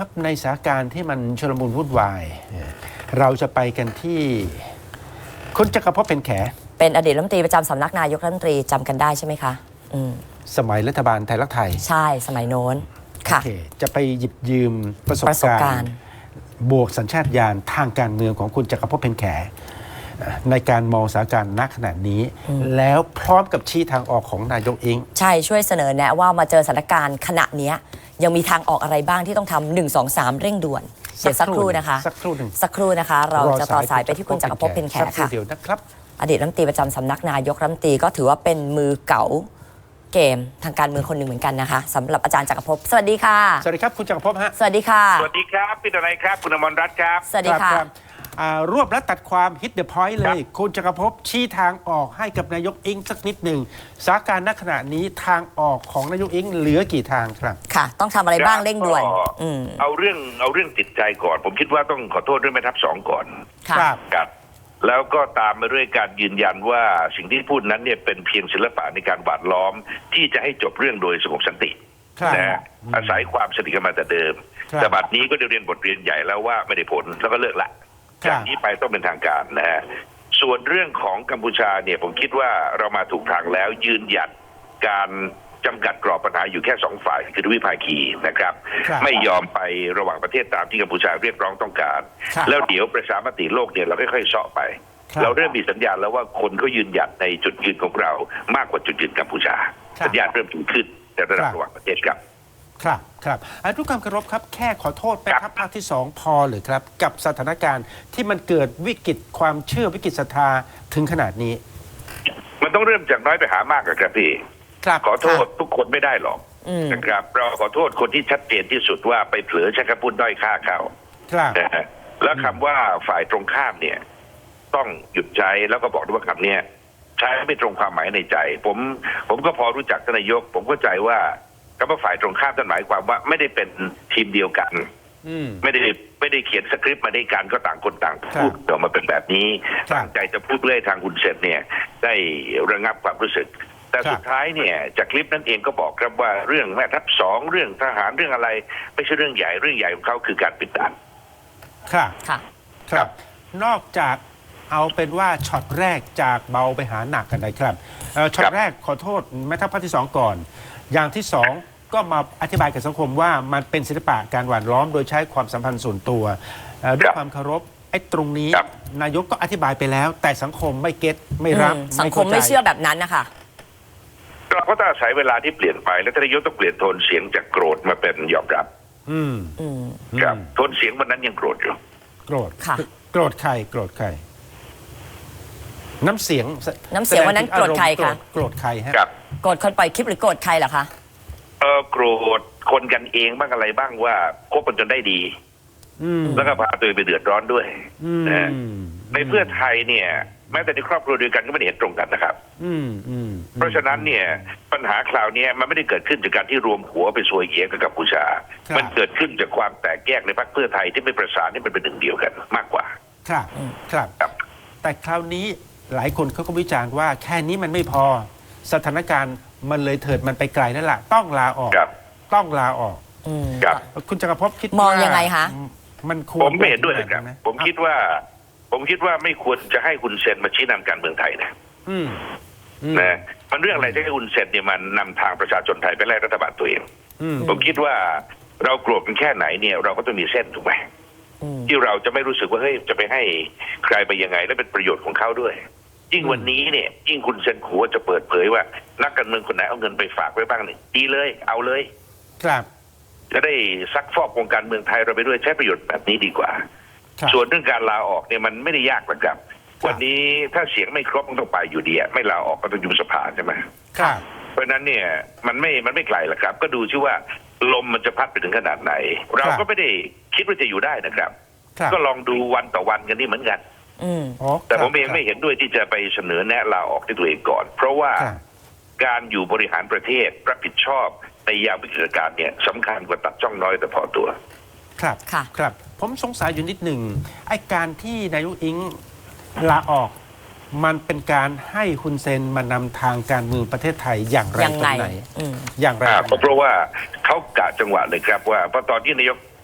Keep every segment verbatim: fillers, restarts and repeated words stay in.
ครับในสถานการณ์ที่มันชุลมุนวุ่นวายเราจะไปกันที่คุณจักรภพเป็นแขเป็นอดีตรัฐมนตรีประจำสำนักนายกรัฐมนตรีจำกันได้ใช่ไหมคะอืมสมัยรัฐบาลไทยรักไทยใช่สมัยโน้นค่ะ okay. จะไปหยิบยืมประสบประสบการการณ์ณ์บวกสัญชาตญาณทางการเมืองของคุณจักรภพเป็นแขในการมองสถานการณ์ณขณะนี้แล้วพร้อมกับชี้ทางออกของนายกเองใช่ช่วยเสนอแนะว่ามาเจอสถานการณ์ขณะนี้ยังมีทางออกอะไรบ้างที่ต้องทำหนึ่ง สอง สามเร่งด่วนเดี๋ยวสักครู่นะคะสักครู่หนึ่งสักครู่นะคะเราจะต่อสายไปที่คุณจักรภพเป็นแขค่ะเดี๋ยวนะครับอดีตรัฐมนตรีประจำสำนักนายกรัฐมนตรีก็ถือว่าเป็นมือเก๋าเกมทางการเมืองคนหนึ่งเหมือนกันนะคะสำหรับอาจารย์จักรภพสวัสดีค่ะสวัสดีครับคุณจักรภพฮะสวัสดีค่ะสวัสดีครับพี่ดนัยครับคุณอมรรัตน์ครับสวัสดีค่ะรวบและตัดความฮิตเดอะพอยต์เลยคุณจักรภพชี้ทางออกให้กับนายกอิงสักนิดหนึ่งสถานการณ์ณขณะนี้ทางออกของนายกอิงเหลือกี่ทางครับค่ะต้องทำอะไรบ้างเร่งด่วนเอาเรื่องเอาเรื่องจิตใจก่อนผมคิดว่าต้องขอโทษด้วยแม่ทัพสองก่อนครับครับแล้วก็ตามมาด้วยการยืนยันว่าสิ่งที่พูดนั้นเนี่ยเป็นเพียงศิลปะในการหวานล้อมที่จะให้จบเรื่องโดยสงบสันตินะอาศัยความสนิทกันมาแต่เดิมแต่บัดนี้ก็ได้เรียนบทเรียนใหญ่แล้วว่าไม่ได้ผลแล้วก็เลิกละจากนี้ไปต้องเป็นทางการนะฮะส่วนเรื่องของกัมพูชาเนี่ยผมคิดว่าเรามาถูกทางแล้วยืนหยัดการจำกัดกรอบปัญหาอยู่แค่สองฝ่ายคือทวิภาคีนะครับไม่ยอมไประหว่างประเทศตามที่กัมพูชาเรียกร้องต้องการแล้วเดี๋ยวประชามติโลกเนี่ยเราค่อยๆเสาะไปเราเริ่มมีสัญญาณแล้วว่าคนก็ยืนหยัดในจุดยืนของเรามากกว่าจุดยืนกัมพูชาสัญญาณเริ่มถึงขึ้นในระดับระหว่างประเทศครับครับครับทุกความเคารพครับแค่ขอโทษแม่ทัพภาคที่สองพอหรือครับกับสถานการณ์ที่มันเกิดวิกฤตความเชื่อวิกฤตศรัทธาถึงขนาดนี้มันต้องเริ่มจากน้อยไปหามากครับพี่ขอโทษทุกคนไม่ได้หรอกนะครับเราขอโทษคนที่ชัดเจนที่สุดว่าไปเผลอใช้คำพูดด้อยค่าเขานะฮะแล้วคำว่าฝ่ายตรงข้ามเนี่ยต้องหยุดใช้แล้วก็บอกด้วยว่าคำนี้ใช้ไม่ตรงความหมายในใจผมผมก็พอรู้จักท่านนายกผมเข้าใจว่าคำว่าฝ่ายตรงข้ามนั่นหมายความว่าไม่ได้เป็นทีมเดียวกันไม่ได้ไม่ได้เขียนสคริปต์มาด้วยกันก็ต่างคนต่างพูดออกมาเป็นแบบนี้ตั้งใจจะพูดเพื่อให้ทางคุณเสร็จเนี่ยได้ระงับความรู้สึกแต่สุดท้ายเนี่ยจากคลิปนั้นเองก็บอกครับว่าเรื่องแม่ทัพสองเรื่องทหารเรื่องอะไรไม่ใช่เรื่องใหญ่เรื่องใหญ่ของเขาคือการปิดด่านครับครับนอกจากเอาเป็นว่าช็อตแรกจากเบาไปหาหนักกันนะครับช็อตแรกขอโทษแม่ทัพภาคที่สองก่อนอย่างที่สองก็มาอธิบายกับสังคมว่ามันเป็นศิลปะการหว่านล้อมโดยใช้ความสัมพันธ์ส่วนตัวด้วยความเคารพไอ้ตรงนี้นายกก็อธิบายไปแล้วแต่สังคมไม่เก็ตไม่รับสังคมไม่เชื่อแบบนั้นนะคะเราก็ต้องอาศัยเวลาที่เปลี่ยนไปแล้วนายกต้องเปลี่ยนโทนเสียงจากโกรธมาเป็นยอมรับอืมครับโทนเสียงวันนั้นยังโกรธอยู่โกรธค่ะโกรธใครโกรธใครน้ำเสียงน้ำเสียงวันนั้นโกรธใครคะโกรธใครฮะโกรธคนปล่อยคลิปหรือโกรธใครเหรอคะเออโกรธคนกันเองบ้างอะไรบ้างว่าคบกันจนได้ดีแล้วก็พาตัวเองไปเดือดร้อนด้วยนะในเพื่อไทยเนี่ยแม้แต่ในครอบครัวเดียวกันก็ไม่ได้เห็นตรงกันนะครับเพราะฉะนั้นเนี่ยปัญหาคราวนี้มันไม่ได้เกิดขึ้นจากการที่รวมหัวไปซวยเอียกับกัมพูชามันเกิดขึ้นจากความแตกแยกในพรรคเพื่อไทยที่ไม่ประสานที่มันเป็นหนึ่งเดียวกันมากกว่าครับครับแต่คราวนี้หลายคนเขาก็วิจารณ์ว่าแค่นี้มันไม่พอสถานการณ์มันเลยเถิดมันไปไกลนั่นแหละต้องลาออกต้องลาออกคุณจักรภพคิดมองยังไงคะมันควรผมไม่เห็นด้วยครับผมคิดว่าผมคิดว่าไม่ควรจะให้คุณเซนมาชี้นำการเมืองไทยนะนะมันเรื่องอะไรที่ให้คุณเซนเนี่ยมันนำทางประชาชนไทยไปไล่รัฐบาลตัวเองผมคิดว่าเราโกรธกันแค่ไหนเนี่ยเราก็ต้องมีเส้นถูกไหมที่เราจะไม่รู้สึกว่าเฮ้ยจะไปให้ใครไปยังไงและเป็นประโยชน์ของเขาด้วยยิ่งวันนี้เนี่ยยิ่งคุณเซนขัวจะเปิดเผยว่านักการเมืองคนไหนเอาเงินไปฝากไว้บ้างเนี่ยดีเลยเอาเลยครับจะได้ซักฟอกวงการเมืองไทยเราไปด้วยใช้ประโยชน์แบบนี้ดีกว่าส่วนเรื่องการลาออกเนี่ยมันไม่ได้ยากหรอกครับวันนี้ถ้าเสียงไม่ครบมันต้องไปอยู่ดีไม่ลาออกก็ต้องยุบสภาใช่ไหมครับเพราะนั้นเนี่ยมันไม่มันไม่ไกลหรอกครับก็ดูชื่อว่าลมมันจะพัดไปถึงขนาดไหนเราก็ไม่ได้คิดว่าจะอยู่ได้นะครับก็ลองดูวันต่อวันกันนี่เหมือนกันแต่ผมเองไม่เห็นด้วยที่จะไปเสนอแนะลาออกที่ตัวเองก่อนเพราะว่าการอยู่บริหารประเทศรับผิดชอบในยามวิกฤตการณ์เนี่ยสำคัญกว่าตัดช่องน้อยแต่พอตัวครับครับผมสงสัยอยู่นิดหนึ่งไอ้การที่นายกอิงลาออกมันเป็นการให้ฮุนเซนมานำทางการเมืองประเทศไทยอย่างไรตรงไหนอย่างไรเพราะว่าเขากะจังหวะเลยครับว่าพอตอนที่นายก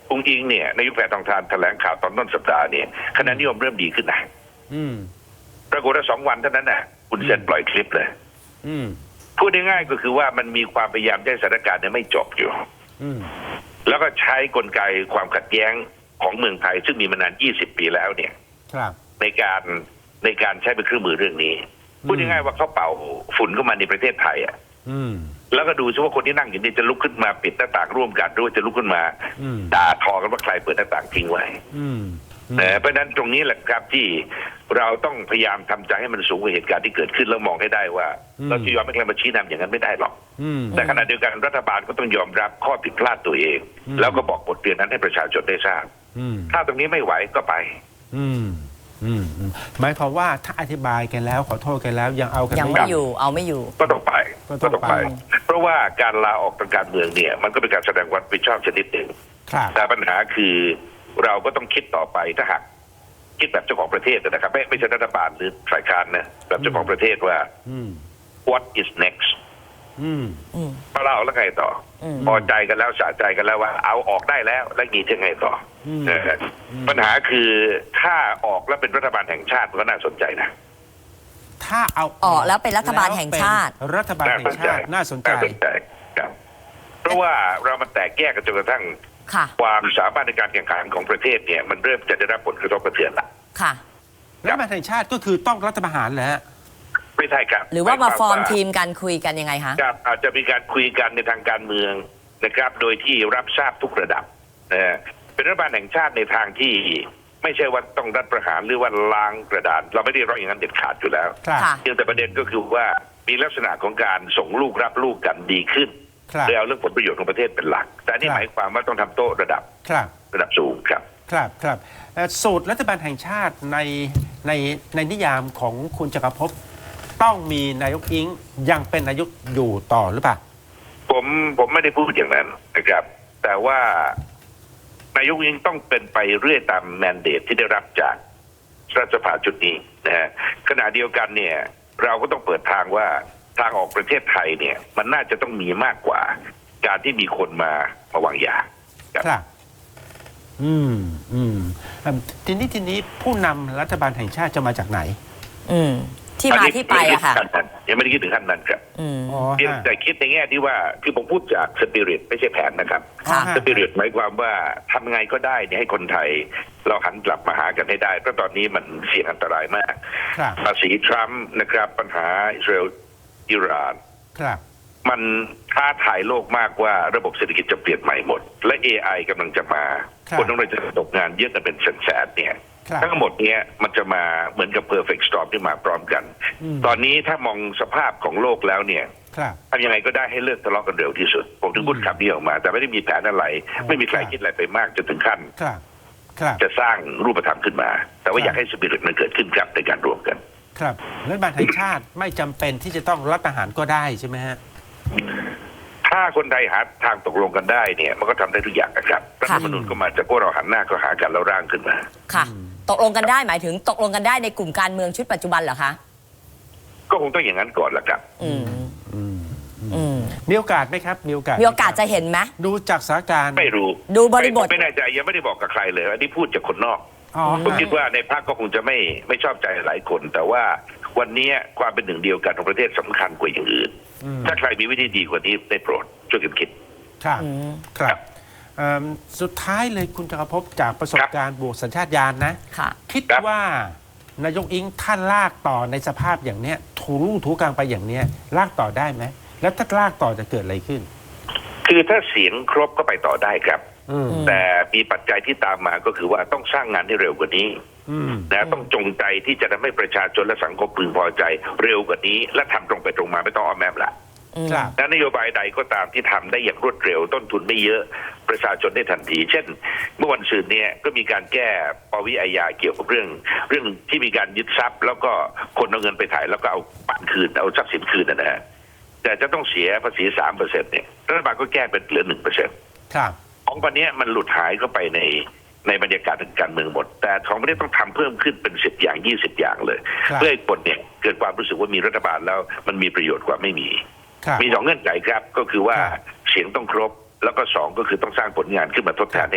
องค์อิงเนี่ยนายกแพทองทานแถลงข่าวตอนต้นสัปดาห์เนี่ยคะแนนนิยมเริ่มดีขึ้นนะอืมปรากฏว่าสองวันเท่านั้นน่ะคุณเซนปล่อยคลิปเลยอืมพูดง่ายๆก็คือว่ามันมีความพยายามให้สถานการณ์เนี่ยไม่จบอยู่อืมแล้วก็ใช้กลไกความขัดแย้งของเมืองไทยซึ่งมีมานานยี่สิบปีแล้วเนี่ยครับในการในการใช้เป็นเครื่องมือเรื่องนี้พูดง่ายๆว่าเขาเป่าฝุ่นเข้ามาในประเทศไทยอ่ะอืมแล้วก็ดูซิว่าคนที่นั่งอยู่นี่จะลุกขึ้นมาปิดหน้าต่างร่วมกันหรือว่าจะลุกขึ้นมาอืมด่าทอกันว่าใครเปิดหน้าต่างทิ้งไว้อืมนะเพราะฉะนั้นตรงนี้แหละครับที่เราต้องพยายามทำใจให้มันสูงกว่าเหตุการณ์ที่เกิดขึ้นแล้วมองให้ได้ว่า เราจะยอมให้ใครมาชี้นำอย่างนั้นไม่ได้หรอกอืมแต่ขณะเดียวกันรัฐบาลก็ต้องยอมรับข้อผิดพลาดตัวเองอืมแล้วก็บอกบทเรียนนั้นให้ประชาชนได้ทราบอืมถ้าตรงนี้ไม่ไหวก็ไปอืม อืมอืมหมายความว่าถ้าอธิบายกันแล้วขอโทษกันแล้วยังเอากันยังไม่ไม่ออยู่ ยู่เอาไม่อยู่ก็ต้องไปก็ต้องไปเพราะว่าการลาออกทางการเมืองเนี่ยมันก็เป็นการแสดงความรับผิดชอบชนิดหนึ่งครับแต่ปัญหาคือเราก็ต้องคิดต่อไปถ้าหากคิดแบบเจ้าของประเทศนะครับไม่ไม่ใช่รัฐบาลหรือฝ่ายค้านนะแบบเจ้าของประเทศว่าอืม what is next อืมอืมพอเราแล้วไงต่ออมพอใจกันแล้วสะใจกันแล้วว่าเอาออกได้แล้วแล้วมีจะไงต่ออมเออปัญหาคือถ้าออกแล้วเป็นรัฐบาลแห่งชาติมันก็น่าสนใจนะถ้าเอาออกแล้วเป็นรัฐบาลแห่งชาติแล้วเป็นรัฐบาลแห่งชาติน่าสนใจน่าสนใจครับเพราะว่าเรามันแตกแยกกันจนกระทั่งค่ะความสามารถในการแข่งขันของประเทศเนี่ยมันเริ่มจะได้รับผลกระทบกระเทือนละค่ะรัฐบาลแห่งชาติก็คือต้องรัฐประหารแหละไม่ใช่ครับหรือว่ามาฟอร์มหยควทีมกันคุยกันยังไงคะครับอาจจะมีการคุยกันในทางการเมืองนะครับ โดยที่รับทราบทุกระดับนะฮะเป็นรัฐบาลแห่งชาติในทางที่ไม่ใช่ว่าต้องรัฐประหารหรือว่าล้างกระดาน เราไม่ได้ร้องอย่างนั้นเด็ดขาดอยู่แล้วครับค่ะเพียงแต่ประเด็นก็คือว่ามีลักษณะของการส่งลูกรับลูกกันดีขึ้นครับโดยเอาเรื่องผลประโยชน์ของประเทศเป็นหลัก แต่นี่ครับหมายความว่าต้องทำโต๊ะระดับครับระดับสูงครับครับครับเอ่อสูตรรัฐบาลแห่งชาติในในในนิยามของคุณจักรภพต้องมีนายกอิงยังเป็นนายกอยู่ต่อหรือเปล่าผมผมไม่ได้พูดอย่างนั้นนะครับ แต่ว่านายกยิ่งต้องเป็นไปเรื่อยตามแมนเดตที่ได้รับจากรัฐสภาชุดนี้นะฮะขณะเดียวกันเนี่ย เราก็ต้องเปิดทางว่าทางออกประเทศไทยเนี่ย มันน่าจะต้องมีมากกว่า การที่มีคนมามาวางยาครับครับ อืมอืมอืมทีนี้ทีนี้ผู้นำรัฐบาลแห่งชาติจะมาจากไหนอืม ที่มาที่ไปอะค่ะยังไม่ได้คิดถึงขั้นนั้นครับอืมอ๋อเพียงฮะแต่คิดในแง่ที่ว่าคือผมพูดจากสปิริตไม่ใช่แผนนะครับค่ะฮะสปิริตหมายความว่าทำไงก็ได้เนี่ยให้คนไทย เราหันกลับมาหากันให้ได้ เพราะตอนนี้มันเสี่ยงอันตรายมากครับภาษีทรัมป์นะครับ ปัญหาอิสราเอลอิหร่านครับมันท้าทายโลกมากว่าระบบเศรษฐกิจจะเปลี่ยนใหม่หมด และ เอ ไอ กำลังจะมาครับคนต้องเลยจะตกงานเยอะกันเป็นแสนๆเนี่ยครับทั้งหมดเนี้ยมันจะมาเหมือนกับ perfect storm ที่มาพร้อมกันอืมตอนนี้ถ้ามองสภาพของโลกแล้วเนี่ยครับทำยังไงก็ได้ให้เลิกทะเลาะกันเร็วที่สุด ผมถึงพูดคำนี้ออกมา แต่ไม่ได้มีแผนอะไรอ๋อไม่มีใครครับคิดอะไรไปมากจนถึงขั้นครับ ครับจะสร้างรูปธรรมขึ้นมา แต่ครับว่าอยากให้สปิริตมันเกิดขึ้นครับในการรวมกันครับรัฐบาลแห่งชาติไม่จำเป็นที่จะต้องรัฐประหารก็ได้ใช่ไหมฮะถ้าคนไทยหาทางตกลงกันได้เนี่ย มันก็ทำได้ทุกอย่างนะครับรัฐธรรมนูญก็มาจากพวกเราหันหน้าก็หากันแล้วร่างขึ้นมาค่ะ ตกลงกันได้หมายถึงตกลงกันได้ในกลุ่มการเมืองชุดปัจจุบันเหรอคะก็คงต้องอย่างนั้นก่อนละครับอืมอืมอืมมีโอกาสไหมครับ มีโอกาสมีโอกาสจะเห็นไหมดูจากสถานการณ์ไม่รู้ดูบริบทไม่ไม่แน่ใจยังไม่ได้บอกกับใครเลยอันนี้พูดจากคนนอกอ๋อผมฮะคิดว่าในพรรคก็คงจะไม่ไม่ชอบใจหลายคน แต่ว่าวันนี้ความเป็นหนึ่งเดียวกันของประเทศสำคัญกว่าอย่างอื่นอืมถ้าใครมีวิธีดีกว่านี้ได้โปรดช่วยกันคิดครับอืมครับเอิ่มสุดท้ายเลยคุณจักรภพจากประสบการณ์บวกสัญชาตญาณนะค่ะคิดครับว่านายกอิงท่านลากต่อในสภาพอย่างเนี้ยถูรูถูกลางไปอย่างเนี้ยลากต่อได้ไหมแล้วถ้าลากต่อจะเกิดอะไรขึ้นคือถ้าเสียงครบก็ไปต่อได้ครับอืมแต่มีปัจจัยที่ตามมาก็คือว่าต้องสร้างงานให้เร็วกว่านี้อืมนะต้องจงใจที่จะทำให้ประชาชนและสังคมพึงพอใจเร็วกว่านี้ และทำตรงไปตรงมาไม่ต้องอ้อมแอมละอืมครับและนโยบายใดก็ตามที่ทำได้อย่างรวดเร็ว ต้นทุนไม่เยอะประชาชนได้ทันที เช่น เมื่อวันศุกร์เนี่ยก็มีการแก้ปวิอาญาเกี่ยวกับเรื่อง เรื่องที่มีการยึดทรัพย์ แล้วก็คนเอาเงินไปถ่ายแล้วก็เอาปันคืนเอาทรัพย์สินคืนนะฮะแต่จะต้องเสียภาษีสามเปอร์เซ็นต์เนี่ยรัฐบาลก็แก้เป็นเหลือหนึ่งเปอร์เซ็นต์ครับของประเนี้ยมันหลุดหายเข้าไปในในบรรยากาศทางการเมืองหมด แต่ของประเนี้ยต้องทำเพิ่มขึ้นเป็นสิบอย่างยี่สิบอย่างเลยครับเพื่อให้คนเนี่ยเกิดความรู้สึกว่ามีรัฐบาลแล้วมันมีประโยชน์กว่าไม่มีครับมีสองเงื่อนไขครับ ก็คือว่าครับเสียงต้องครบ แล้วก็สองก็คือต้องสร้างผลงานขึ้นมาทดแทนให้ทัน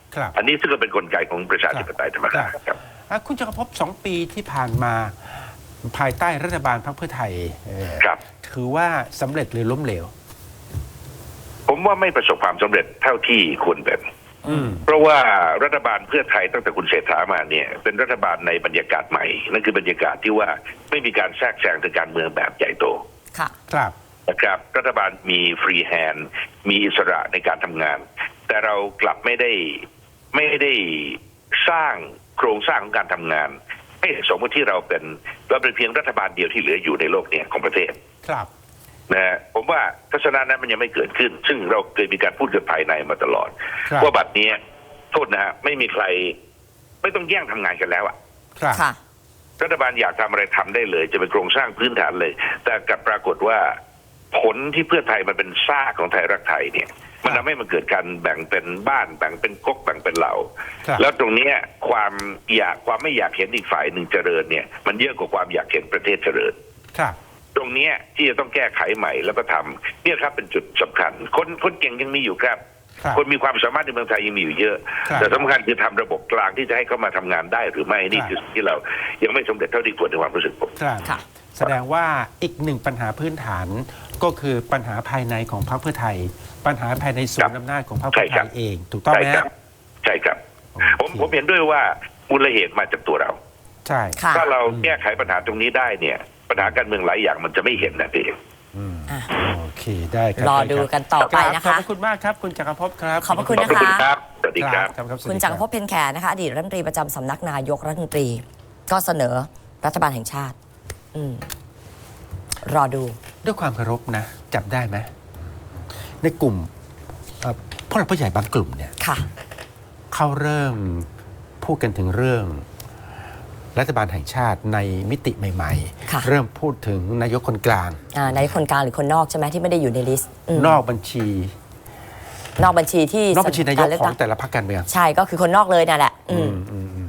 ครับอันนี้ซึ่งก็เป็นกลไกของประชาธิปไตยธรรมดาครับอ่ะคุณจักรภพสองปีที่ผ่านมาภายใต้รัฐบาลพรรคเพื่อไทยเอ่อครับถือว่าสำเร็จหรือล้มเหลวผมว่าไม่ประสบความสำเร็จเท่าที่ควรเป็นอืมเพราะว่ารัฐบาลเพื่อไทยตั้งแต่คุณเศรษฐามาเนี่ยเป็นรัฐบาลในบรรยากาศใหม่นั่นคือบรรยากาศที่ว่าไม่มีการแทรกแซงทางการเมืองแบบใหญ่โตค่ะครับนะครับรัฐบาลมีฟรีแฮนด์มีอิสระในการทำงาน แต่เรากลับไม่ได้ไม่ได้สร้างโครงสร้างของการทำงานให้สมมติที่เราเป็นเราเป็นเพียงรัฐบาลเดียวที่เหลืออยู่ในโลกเนี่ยของประเทศครับนะฮะผมว่าทัศนะนั้นมันยังไม่เกิดขึ้น ซึ่งเราเคยมีการพูดกันภายในมาตลอดครับว่าบัดนี้โทษนะฮะไม่มีใครไม่ต้องแย่งทำงานกันแล้วอะครับค่ะรัฐบาลอยากทำอะไรทำได้เลย จะเป็นโครงสร้างพื้นฐานเลย แต่กลับปรากฏว่าผลที่เพื่อไทยมันเป็นซากของไทยรักไทยเนี่ยมันทำให้มันเกิดการแบ่งเป็นบ้านแบ่งเป็นก๊กแบ่งเป็นเหล่าครับแล้วตรงเนี้ยความอยากความไม่อยากเห็นอีกฝ่ายหนึ่งเจริญเนี่ยมันเยอะกว่าความอยากเห็นประเทศเจริญครับตรงเนี้ยที่จะต้องแก้ไขใหม่แล้วก็ทำเนี่ยครับเป็นจุดสำคัญ คนคนเก่งยังมีอยู่ครับครับคนมีความสามารถในเมืองไทยยังมีอยู่เยอะครับแต่สำคัญคือทำระบบกลางที่จะให้เข้ามาทำงานได้หรือไม่นี่คือสิ่งที่เรายังไม่สำเร็จเท่าที่ควรในความรู้สึกผมครับค่ะแสดงว่าอีกหนึ่งปัญหาพื้นฐานก็คือปัญหาภายในของพรรคเพื่อไทย ปัญหาภายในศูนย์อำนาจของพรรคเพื่อไทยเอง ถูกต้องไหมใช่ครัฮะบใช่ครับโอผมเคผมเห็นด้วยว่ามูลเหตุมาจากตัวเราใช่ค่ะถ้าเราแก้ไขปัญหาตรงนี้ได้เนี่ยปัญหาการเมืองหลายอย่างมันจะไม่เห็นนะพี่อืมอ่ะโอเคได้ครับรอดูกันต่อไปนะขอบคะพระคุณมากครับ คุณจักรภพครับขอบพระคุณขอบคุณครับสวัสดีครับครับครับสวัสคุณดีจักรภพเพ็ญแขนะคะอดีตรัฐมนตรีประจำสำนักนายกรัฐมนตรี ก็เสนอรัฐบาลแห่งชาติ อืม รอดูด้วยความเคารพนะ จับได้ไหมในกลุ่มเอ่อผู้หลักผู้ใหญ่บางกลุ่มเนี่ยค่ะเขาเริ่มพูดกันถึงเรื่องรัฐบาลแห่งชาติในมิติใหม่ค่ะๆ เริ่มพูดถึงนายกคนกลางอ่านายกคนกลางหรือคนนอกใช่ไหมที่ไม่ได้อยู่ในลิสต์อืมนอกบัญชีนอกบัญชีที่นอกบัญชีนายกรเลืขอตั้งแต่ละพรรคการเมืองใช่ก็คือคนนอกเลยนั่นแหละ อืมอืมอืม